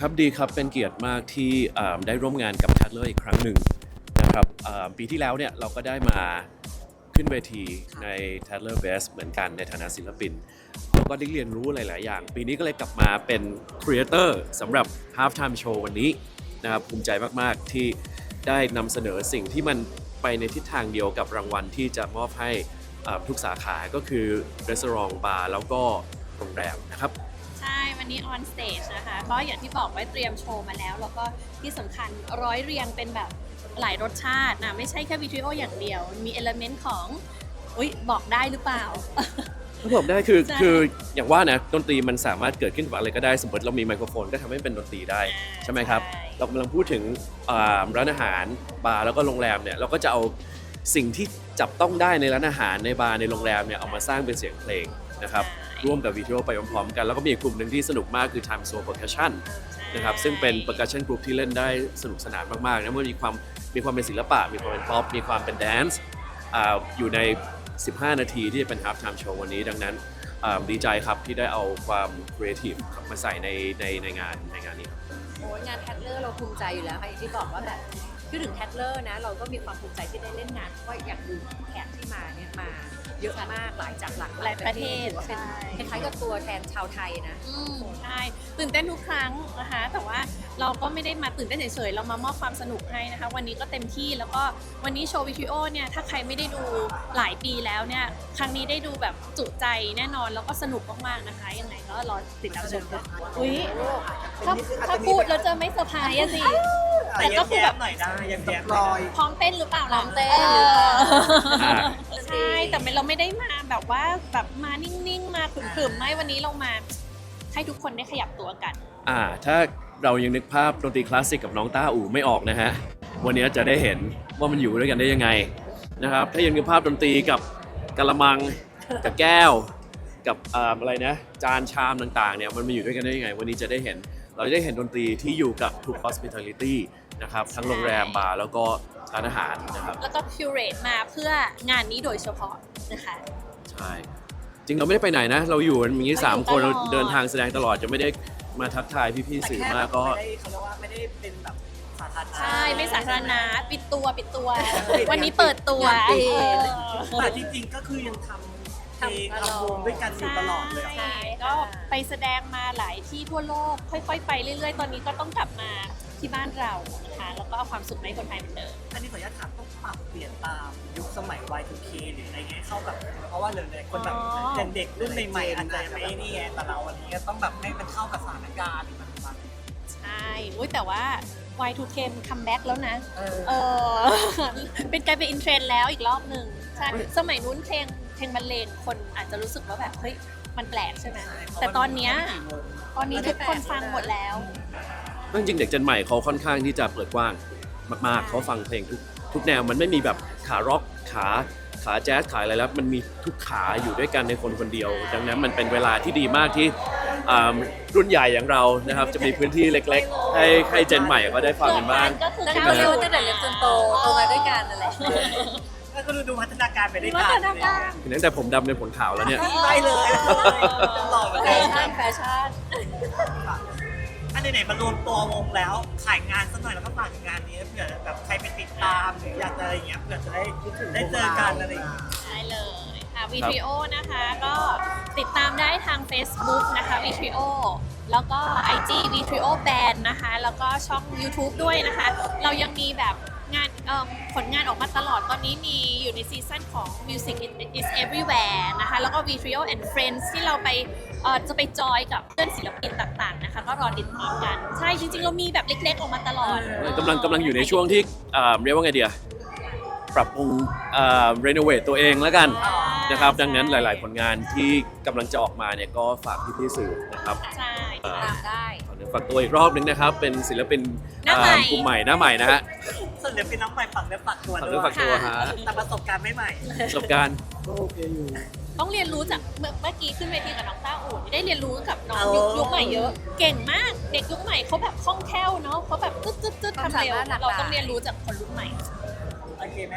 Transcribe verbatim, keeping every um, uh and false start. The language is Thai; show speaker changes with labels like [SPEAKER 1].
[SPEAKER 1] ครับดีครับเป็นเกียรติมากที่อ่าได้ร่วมงานกับ Tatler อีกครั้งหนึ่งนะครับอ่าปีที่แล้วเนี่ยเราก็ได้มาขึ้นเวทีใน Tatler Best เหมือนกันในฐานะศิลปินแล้วก็ได้เรียนรู้หลาย ๆ อย่าง ปีนี้ก็เลยกลับมาเป็น Creator สำหรับ Halftime Show วันนี้นะครับภูมิใจมาก ๆ ที่ได้นำเสนอสิ่งที่มันไปในทิศทางเดียวกับรางวัลที่จะมอบให้อ่าทุกสาขาก็คือ Restaurant Bar แล้วก็โรงแรมนะครับ
[SPEAKER 2] ใช่วันนี้ on stage นะคะก็อย่างที่บอกไว้เตรียมโชว์มาแล้วแล้วก็ที่สำคัญร้อยเรียงเป็นแบบหลายรสชาตินะไม่ใช่แค่วิดีโออย่างเดียวมีเอลเมนต์ของอุ๊ยบอกได้หรือเปล่า
[SPEAKER 1] ก็บอกได้คือ
[SPEAKER 2] ใช่
[SPEAKER 1] คืออย่างว่านะดนตรีมันสามารถเกิดขึ้นกับอะไรก็ได้สมมติเรามีไมโครโฟนก็ทำให้เป็นดนตรีได้ใช่ไหมครับเรากำลังพูดถึงอ่าร้านอาหารบาร์แล้วก็โรงแรมเนี่ยเราก็จะเอาสิ่งที่จับต้องได้ในร้านอาหารในบาร์ในโรงแรมเนี่ยเอามาสร้างเป็นเสียงเพลงนะครับร่วมกับวิดีโอไปพร้อมๆกันแล้วก็มีอีกกลุ่มหนึ่งที่สนุกมากคือ Time Zone Percussion นะครับซึ่งเป็น percussion group ที่เล่นได้สนุกสนานมากๆนะมันมีความมีความเป็นศิลปะมีความเป็นป๊อปมีความเป็นแดนซ์อ่าอยู่ในสิบห้านาทีที่จะเป็น half time show วันนี้ดังนั้นดีใจครับที่ได้เอาความ creative มาใส่ในในในงานในงานนี้
[SPEAKER 3] โอ้ยงานแทดเลอร์เราภูมิใจอยู่แล้วค่ะอย่างที่บอกว่าแบบคือถึงแทดเลอร์นะเราก็มีความภูมิใจที่ได้เล่นงานเพราะว่าอยากดูแขกที่มาเนี่ยมาเยอะมากหลายจากหลากหลายประเทศถือว่าเป็นคล้ายๆกับตัวแทนชาวไทยนะ
[SPEAKER 2] อืมใช่ตื่นเต้นทุกครั้งนะคะแต่ว่าเราก็ไม่ได้มาตื่นเต้นเฉยๆเรามามอบความสนุกให้นะคะวันนี้ก็เต็มที่แล้วก็วันนี้โชว์วิดีโอเนี่ยถ้าใครไม่ได้ดูหลายปีแล้วเนี่ยครั้งนี้ได้ดูแบบจุใจแน่นอนแล้วก็สนุกมากๆนะคะยังไงก็รอติดตามชมกันอุ้ยถ้าถ้าพูดแล้วจะไม่เซอร์ไพรส์อะสิแต่ก็คือแบบ
[SPEAKER 4] หน่อยได้ยังแย้ม
[SPEAKER 3] ลอย
[SPEAKER 2] พร้อมเต้นหรือเปล่า
[SPEAKER 3] พร้อมเต้น
[SPEAKER 2] ออ
[SPEAKER 1] อ่า
[SPEAKER 2] ใช่แต่เราไม่ได้มาแบบว่าแบบมานิ่งๆมาขรึมๆไม่วันนี้เรามาให้ทุกคนได้ขยับตัวกัน
[SPEAKER 1] อ่าถ้าเรายังนึกภาพดนตรีคลาสสิกกับน้องต้าอู่ไม่ออกนะฮะวันนี้จะได้เห็นว่ามันอยู่ด้วยกันได้ยังไงนะครับถ้ายังนึกภาพดนตรีกับกะละมังกับแก้วกับอ่าอะไรนะจานชามต่างๆเนี่ยมันมาอยู่ด้วยกันได้ยังไงวันนี้จะได้เห็นเราจะได้เห็นดนตรีที่อยู่กับทุก hospitality นะครับทั้งโรงแรมบาร์แล้วก็ร้านอาหารนะครับ
[SPEAKER 2] แล้วก็คิวเรตมาเพื่องานนี้โดยเฉพาะนะคะ
[SPEAKER 1] ใช่จริงเราไม่ได้ไปไหนนะเราอยู่กันอย่างนี้สามคนเราเดินทางแสดงตลอดจะไม่ได้มาทักทายพี่ๆสื่อมากก็
[SPEAKER 4] ไม่ได้เขาเรียกว่าไม่ได้เป็นแบบสาธารณะ
[SPEAKER 2] ใช่ไม่สาธารณะปิดตัวปิดตัว วันนี้เปิดตัว
[SPEAKER 3] ปิด
[SPEAKER 2] เออ
[SPEAKER 4] แต่จริงๆก็คือยังทำเพลงทำวงด้วยกันอยู่ตลอดเลย
[SPEAKER 2] ใช่ก็ไปแสดงมาหลายที่ทั่วโลกค่อยๆ ไปเรื่อยๆ ตอนนี้ก็ต้องกลับมาที่บ้านเรานะคะแล้วก็เอาความสุขให้คนไทยเหมือนเดิม
[SPEAKER 4] อันนี้ขออนุญาตถามต้องปรับเปลี่ยนตามยุคสมัย วาย ทู เค หรืออะไรเงี้ยเข้ากับเพราะว่าหลายๆคนแบบ
[SPEAKER 2] อ๋อ
[SPEAKER 4] อย่างเด็กรุ่นใหม่ๆอาจจะไม่นี่ไงแต่เราอันนี้ก็ต้องแบบให้มันเข้ากับสถานการณ์หรือปัจจุบัน
[SPEAKER 2] ใช่อุ๊ยแต่ว่า วาย ทู เค มันคัมแบ็กแล้วนะ
[SPEAKER 4] เออ
[SPEAKER 2] เออ เป็นกลายเป็นอินเทรนด์แล้วอีกรอบหนึ่งใช่สมัยนู้นเพลงเพลงบรรเลงคนอาจจะรู้สึกว่าแบบเฮ้ยมันแปลกใช่ไหมแต่ตอนเนี้ยตอนนี้ทุกคนฟังหมดแล้ว
[SPEAKER 1] จริงๆเด็กเจนใหม่เขาค่อนข้างที่จะเปิดกว้างมากๆเขาฟังเพลงทุกทุกแนวมันไม่มีแบบขาร็อกขาขาแจ๊สขาอะไรแล้วมันมีทุกขาอยู่ด้วยกันในคนคนเดียว ดังนั้นมันเป็นเวลาที่ดีมากที่อ่ารุ่นใหญ่อย่างเรานะครับจะมีพื้นที่เล็กๆ ให้ให้เจนใหม่ก็ได้ฟังกันบ้าง
[SPEAKER 2] ก็คือ
[SPEAKER 3] ตั้ง
[SPEAKER 2] ก้า
[SPEAKER 3] แต่
[SPEAKER 2] ว
[SPEAKER 3] เล็กตั้งแต่เล็กจนโตโตมาด้วยกันนั่นแหละ
[SPEAKER 4] ก็ดูดูพัฒนาการไปด้วยกัน
[SPEAKER 2] พัฒนาการ
[SPEAKER 1] ตั้งแต่ผมดำเป็นผลขาวแล้วเนี่ย
[SPEAKER 4] ได้เลยหล่อเหมือน
[SPEAKER 3] แฟ
[SPEAKER 4] กัน
[SPEAKER 3] ชั่นแฟชั่น
[SPEAKER 4] อันไหนๆมารวมตัววงแล้วขายงานสักหน่อยแล้วก็ฝากงานนี้เผื่อแบบใครไปติดตามหรืออยากจะอะไรอย่างเงี้ยเผื่อจะได้ได้เจอกันอะไรอย่างเงี้ย
[SPEAKER 2] ได้เลยค่ะวีทริโอนะคะก็ติดตามได้ทาง Facebook นะคะวีทริโอแล้วก็ ไอ จี วีทริโอ Band นะคะแล้วก็ช่อง YouTube ด้วยนะคะ เรายังมีแบบงานเอ่อผลงานออกมาตลอดตอนนี้มีอยู่ในซีซั่นของ Music is Everywhere นะคะแล้วก็ วีทริโอ and Friends ที่เราไปเอ่อจะไปจอยกับเพื่อนศิลปินต่างๆนะคะก็รอติดตามกัน ใช่จริงๆ เรามีแบบเล็กๆ ออกมาตลอด
[SPEAKER 1] กำลังกำลังอยู่ในช่วงที่อ่าเรียกว่าไงเดียปรับปรุงอ่ารีโนเวทตัวเองแล้วกันนะครับดังนั้นหลาย ๆ ผลงานที่กำลังจะออกมาเนี่ยก็ฝากพี่ๆสื่อนะครับ
[SPEAKER 2] ใช่
[SPEAKER 1] อ่า
[SPEAKER 3] ตามได้
[SPEAKER 1] ขอเนื้อฝากตัวอีกรอบนึงนะครับเป็นศิลปิน
[SPEAKER 2] หน้าใหม่
[SPEAKER 1] อ่ากลุ่มใหม่หน้าใหม่นะฮะ
[SPEAKER 4] ส่วนเดี๋ยวเป็นน้องใหม่ฝักเนื้อฝักตัว
[SPEAKER 1] ฝาก
[SPEAKER 4] ด้
[SPEAKER 1] เนื้อ
[SPEAKER 4] วย
[SPEAKER 1] ฝากตัวฮะ
[SPEAKER 4] แต่ประสบการณ์ไม่ใหม่
[SPEAKER 1] ประสบการณ์
[SPEAKER 2] ต้องเรียนรู้จากเมื่อเมื่อกี้ขึ้นเวทีกับน้องต้าอู่ได้เรียนรู้กับน้อง
[SPEAKER 4] เอา
[SPEAKER 2] ยุคยุคใหม่เยอะ เก่งมากเด็กยุคใหม่เขาแบบคล่องแคล่วเนาะเขาแบบตึ๊ดตึ๊ดตึ๊ด
[SPEAKER 3] ความ
[SPEAKER 2] ทำเร็ว
[SPEAKER 3] สามารถหลากหลาย
[SPEAKER 2] เราต้องเรียนรู้จากคนรุ่นใหม่
[SPEAKER 4] อ